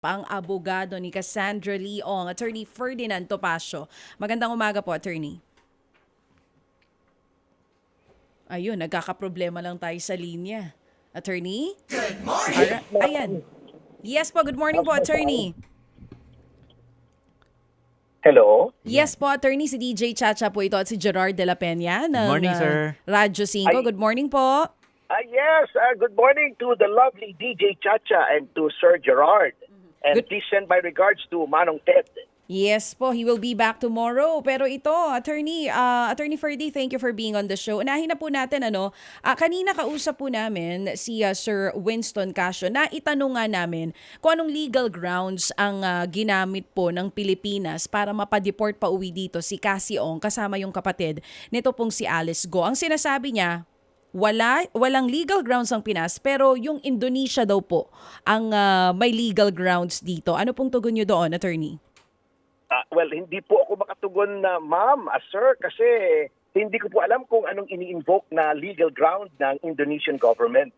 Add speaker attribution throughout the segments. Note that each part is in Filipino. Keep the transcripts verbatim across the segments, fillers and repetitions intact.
Speaker 1: Ang abogado ni Cassandra Leong, Attorney Ferdinand Topacio. Magandang umaga po, Attorney. Ayun, nagkakaproblema lang tayo sa linya. Attorney? Good morning! Ayan. Yes po, good morning po, Attorney.
Speaker 2: Hello?
Speaker 1: Yes po, Attorney. Si D J Chacha po ito at si Gerard de la Peña ng
Speaker 3: morning,
Speaker 1: uh,
Speaker 3: sir.
Speaker 1: Radyo cinco.
Speaker 2: Ay-
Speaker 1: Good morning po.
Speaker 2: Ah, yes, uh, good morning to the lovely D J Chacha and to Sir Gerard. And
Speaker 1: Good-
Speaker 2: please send my regards to Manong Ted.
Speaker 1: Yes po, he will be back tomorrow. Pero ito, Attorney, uh, Attorney Ferdy, thank you for being on the show. Unahin na po natin, ano, uh, kanina kausap po namin si uh, Sir Winston Casio na itanong nga namin kung anong legal grounds ang uh, ginamit po ng Pilipinas para mapadeport pa uwi dito si Cassie Ong kasama yung kapatid nito pong si Alice Go. Ang sinasabi niya, wala walang legal grounds ang Pinas pero yung Indonesia daw po ang uh, may legal grounds dito. Ano pong tugon niyo doon, Attorney?
Speaker 2: Uh, well, hindi po ako makatugon na ma'am, uh, sir, kasi hindi ko po alam kung anong ini-invoke na legal ground ng Indonesian government.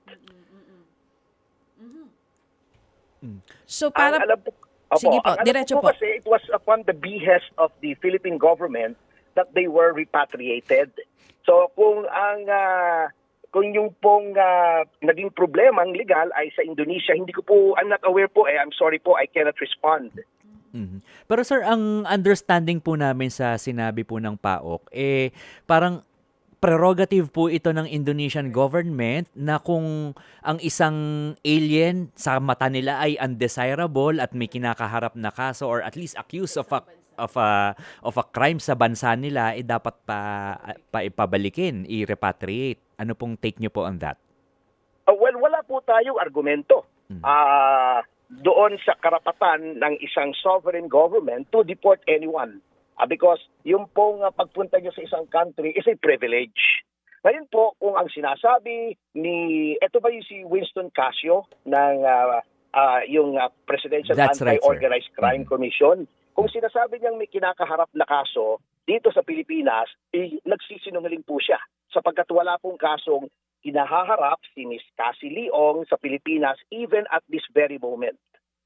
Speaker 1: So para
Speaker 2: ang alam po, opo,
Speaker 1: Sige po,
Speaker 2: ang alam
Speaker 1: diretso
Speaker 2: ko
Speaker 1: po.
Speaker 2: kasi it was upon the behest of the Philippine government that they were repatriated. So kung ang uh, kung yung pong uh, naging problema ang legal ay sa Indonesia, hindi ko po, I'm not aware po eh, I'm sorry po, I cannot respond.
Speaker 3: Mhm. Pero sir, ang understanding po namin sa sinabi po ng P A O K, eh parang prerogative po ito ng Indonesian government na kung ang isang alien sa mata nila ay undesirable at may kinakaharap na kaso or at least accused of a of a of a crime sa bansa nila, eh dapat pa pa ipabalikin, i-repatriate. Ano pong take nyo po on that?
Speaker 2: Uh, well, wala po tayong argumento. Ah, doon sa karapatan ng isang sovereign government to deport anyone. Uh, because yung pong uh, pagpunta nyo sa isang country is a privilege. Ngayon po, kung ang sinasabi ni, eto ba yung si Winston Casio ng uh, uh, yung uh, Presidential
Speaker 3: That's right, sir.
Speaker 2: Anti-Organized Crime
Speaker 3: Mhm.
Speaker 2: Commission, kung sinasabi niyang may kinakaharap na kaso dito sa Pilipinas, eh, nagsisinungaling po siya sapagkat wala pong kasong kinahaharap si Miss Cassie Leong sa Pilipinas even at this very moment.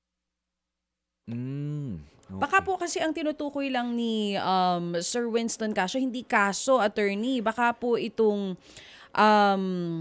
Speaker 3: Mm, okay.
Speaker 1: Baka po kasi ang tinutukoy lang ni um, Sir Winston Casio, hindi kaso, Attorney. Baka po itong um,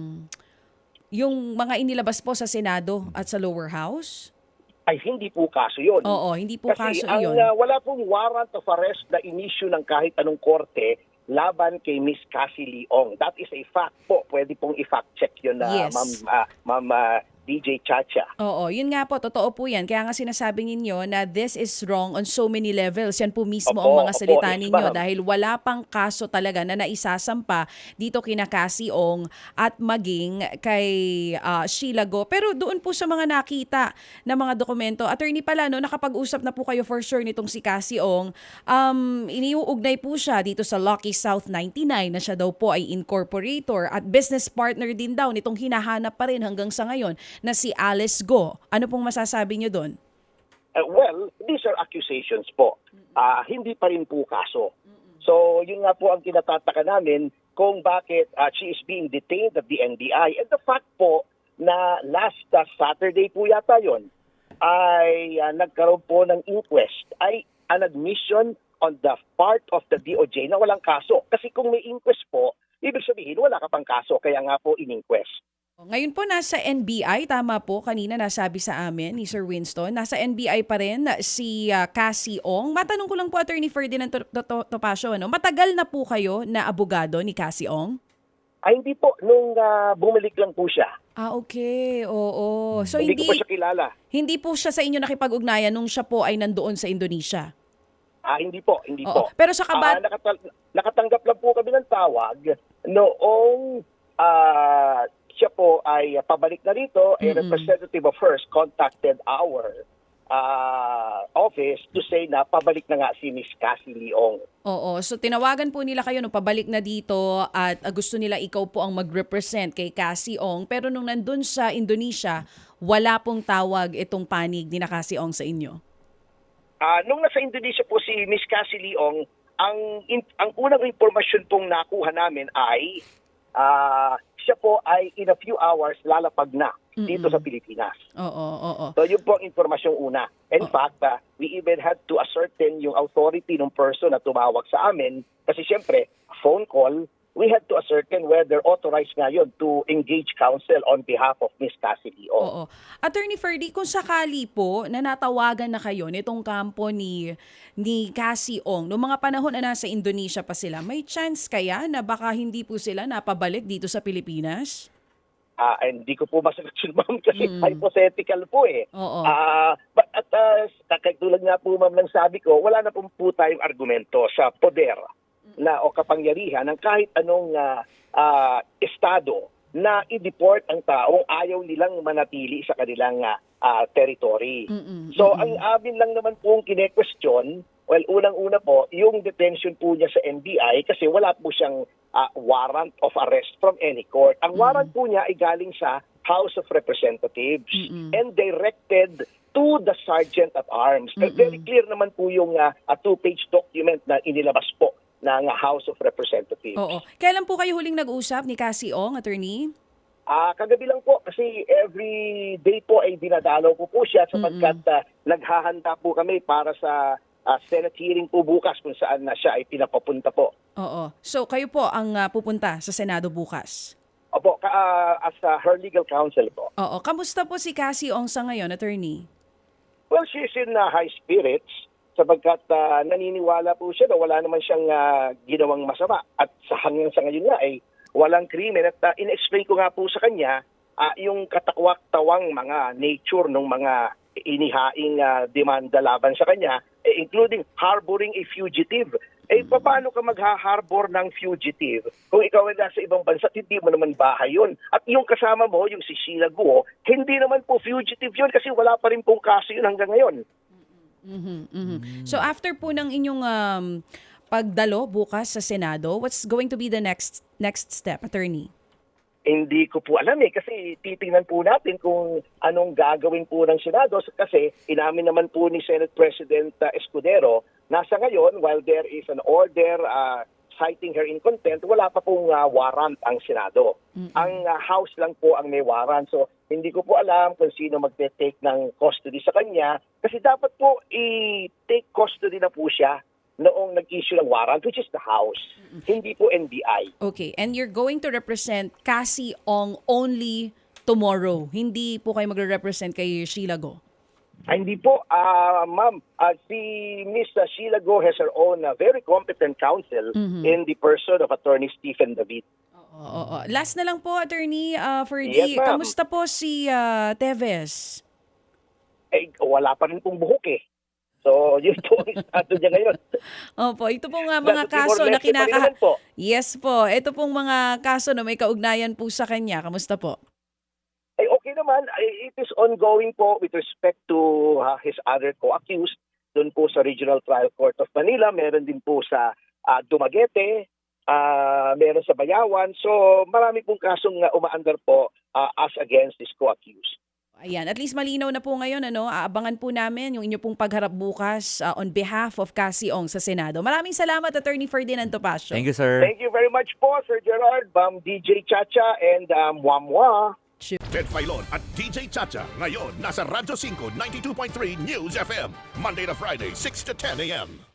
Speaker 1: yung mga inilabas po sa Senado at sa lower house.
Speaker 2: Ay hindi po kaso yun.
Speaker 1: Oo, hindi po
Speaker 2: Kasi
Speaker 1: kaso
Speaker 2: ang,
Speaker 1: yun.
Speaker 2: uh, wala pong warrant of arrest na inisyu ng kahit anong korte laban kay Miss Cassie Leong. That is a fact po. Pwede pong i-fact check yun na
Speaker 1: Yes.
Speaker 2: Ma'am, uh, Ma'am uh, D J Chacha.
Speaker 1: Oo, yun nga po, totoo po yan. Kaya nga sinasabi ninyo na this is wrong on so many levels. Yan po mismo
Speaker 2: Opo,
Speaker 1: ang mga
Speaker 2: opo,
Speaker 1: salita
Speaker 2: yes,
Speaker 1: ninyo
Speaker 2: ma'am.
Speaker 1: dahil wala pang kaso talaga na naisasampa dito kina Cassie Ong at maging kay ah, Sheila Go. Pero doon po sa mga nakita na mga dokumento, attorney pala, no, nakapag-usap na po kayo for sure nitong si Cassie Ong. Um, iniuugnay po siya dito sa Lucky South ninety-nine na siya daw po ay incorporator at business partner din daw nitong hinahanap pa rin hanggang sa ngayon na si Alice Go. Ano pong masasabi niyo doon?
Speaker 2: Uh, well, these are accusations po. Ah, hindi pa rin po kaso. So, yun nga po ang kinatataka namin kung bakit uh, she is being detained at the N B I. And the fact po na last uh, Saturday po yata yun, ay uh, nagkaroon po ng inquest, ay an admission on the part of the D O J na walang kaso. Kasi kung may inquest po, ibig sabihin wala ka pang kaso, kaya nga po in-inquest.
Speaker 1: Ngayon po nasa N B I, tama po, kanina nasabi sa amin ni Sir Winston, nasa N B I pa rin si uh, Cassie Ong. Matanong ko lang po, Attorney Ferdinand To- To- Topacio, ano? Matagal na po kayo na abogado ni Cassie Ong?
Speaker 2: Ay hindi po, nung uh, bumalik lang po siya.
Speaker 1: Ah, okay. Oo. So
Speaker 2: hindi,
Speaker 1: hindi
Speaker 2: ko po siya kilala.
Speaker 1: hindi po siya sa inyo nakipag-ugnayan nung siya po ay nandoon sa Indonesia.
Speaker 2: Ah, hindi po, hindi
Speaker 1: Oo.
Speaker 2: po.
Speaker 1: Pero sa kabat
Speaker 2: Ah, nakatal- nakatanggap lang po kami ng tawag noong ah, siya po ay pabalik na rito, a
Speaker 1: Mm-mm.
Speaker 2: representative of hers contacted our ah, office to say na pabalik na nga si Miss Cassie Leong.
Speaker 1: Oo. So tinawagan po nila kayo nung pabalik na dito at uh, gusto nila ikaw po ang mag-represent kay Cassie Ong. Pero nung nandun sa Indonesia, wala pong tawag itong panig ni na Cassie Ong sa inyo.
Speaker 2: Ah, nung nasa Indonesia po si Miss Cassie Leong, ang in- ang unang impormasyon pong nakuha namin ay ah, siya po ay in a few hours lalapag na dito sa Pilipinas.
Speaker 1: Oo, oo.
Speaker 2: So yun po ang impormasyong una. In
Speaker 1: Oh.
Speaker 2: fact, uh, we even had to ascertain yung authority ng person na tumawag sa amin kasi siyempre, phone call, we had to ascertain whether authorized nga yun to engage counsel on behalf of Miss Cassidy O.
Speaker 1: Oo. Attorney Ferdy, kung sakali po na natawagan na kayo nitong kampo ni ni Cassie Ong, noong mga panahon na nasa Indonesia pa sila, may chance kaya na baka hindi po sila napabalik dito sa Pilipinas?
Speaker 2: Ah, hindi ko po masagot yun, ma'am, kasi hypothetical po eh.
Speaker 1: Oo.
Speaker 2: Ah, but at uh, katulad nga po, ma'am, ng sabi ko, wala na po, po tayong argumento sa poder na o kapangyarihan ng kahit anong ah, ah, estado na i-deport ang taong ayaw nilang manatili sa kanilang ah, ah, territory.
Speaker 1: Mm-mm.
Speaker 2: So, ang amin lang naman pong kine-question, well, unang-una po, yung detention po niya sa N B I kasi wala po siyang ah, warrant of arrest from any court. Ang warrant po niya ay galing sa House of Representatives and directed to the Sergeant at Arms. Very clear naman po yung ah, a two-page document na inilabas po ng House of Representatives.
Speaker 1: Oo. Kailan po kayo huling nag-usap ni Cassie Ong, attorney?
Speaker 2: Ah, kagabi lang po kasi every day po ay dinadalaw ko po siya sapagkat ah, naghahanda po kami para sa ah, Senate hearing po bukas kung saan na siya ay pinapapunta po.
Speaker 1: Oo. So kayo po ang ah, pupunta sa Senado bukas?
Speaker 2: Opo, ka, ah, as ah, her legal counsel po.
Speaker 1: Oo. Kamusta po si Cassie Ong sa ngayon, attorney?
Speaker 2: Well, she's in ah, high spirits sapagkat ah, naniniwala po siya na wala naman siyang ah, ginawang masama at sa hanggang sa ngayon nga ay walang krimen at uh, in-explain ko nga po sa kanya uh, yung katakwak-tawang mga nature ng mga inihaing uh, demanda laban sa kanya, eh, including harboring a fugitive. Eh, paano ka magha-harbor ng fugitive kung ikaw ay nasa ibang bansa at hindi mo naman bahay yun? At yung kasama mo, yung si Sheila Guo, hindi naman po fugitive yun kasi wala pa rin pong kaso yun hanggang ngayon.
Speaker 1: Mhm, mhm. So after po ng inyong um, pagdalo bukas sa Senado, what's going to be the next next step, attorney?
Speaker 2: Hindi ko po alam eh kasi titingnan po natin kung anong gagawin po ng Senado kasi inamin naman po ni Senate President uh, Escudero nasa ngayon while there is an order uh, citing her in contempt, wala pa pong uh, warrant ang Senado. Mm-hmm. Ang uh, House lang po ang may warrant. So hindi ko po alam kung sino magte-take ng custody sa kanya kasi dapat po i-take custody na po siya noong nag-issue ng warrant, which is the House, mm-hmm. hindi po N B I.
Speaker 1: Okay, and you're going to represent Cassie Ong only tomorrow. Hindi po kayo magre-represent kay Sheila Guo.
Speaker 2: Ay, hindi po, ah, ma'am. Ah, si Miss Sheila Guo has her own uh, very competent counsel
Speaker 1: Mm-hmm.
Speaker 2: in the person of Attorney Stephen David.
Speaker 1: Oo, oo, oo. Last na lang po, attorney, uh, Ferdy,
Speaker 2: Yes, ma'am.
Speaker 1: kamusta po si uh, Teves?
Speaker 2: Eh, wala pa rin pong buhok eh. So, yun po ang estado niya ngayon.
Speaker 1: Opo, ito pong uh, mga
Speaker 2: Nasa
Speaker 1: kaso na
Speaker 2: Timor-Leste pa rin
Speaker 1: kinaka...
Speaker 2: naman po.
Speaker 1: Yes po, ito pong mga kaso na may kaugnayan po sa kanya. Kamusta po?
Speaker 2: Eh, okay naman. Eh, It is ongoing po with respect to uh, his other co-accused. Doon po sa Regional Trial Court of Manila. Meron din po sa uh, Dumaguete. Uh, meron sa Bayawan. So, marami pong kasong uh, umaandar po uh, as against this co-accused.
Speaker 1: Ayan, at least malinaw na po ngayon, ano, aabangan po namin yung inyo pong pagharap bukas uh, on behalf of Cassie Ong sa Senado. Maraming salamat, Attorney Ferdinand Topacio.
Speaker 3: Thank you, sir.
Speaker 2: Thank you very much po, Sir Gerard, Ma'am D J Chacha, and um, Mwamwa.
Speaker 4: Ted Filon at D J Chacha. Ngayon, nasa Radyo five ninety-two point three News F M. Monday to Friday, six to ten a m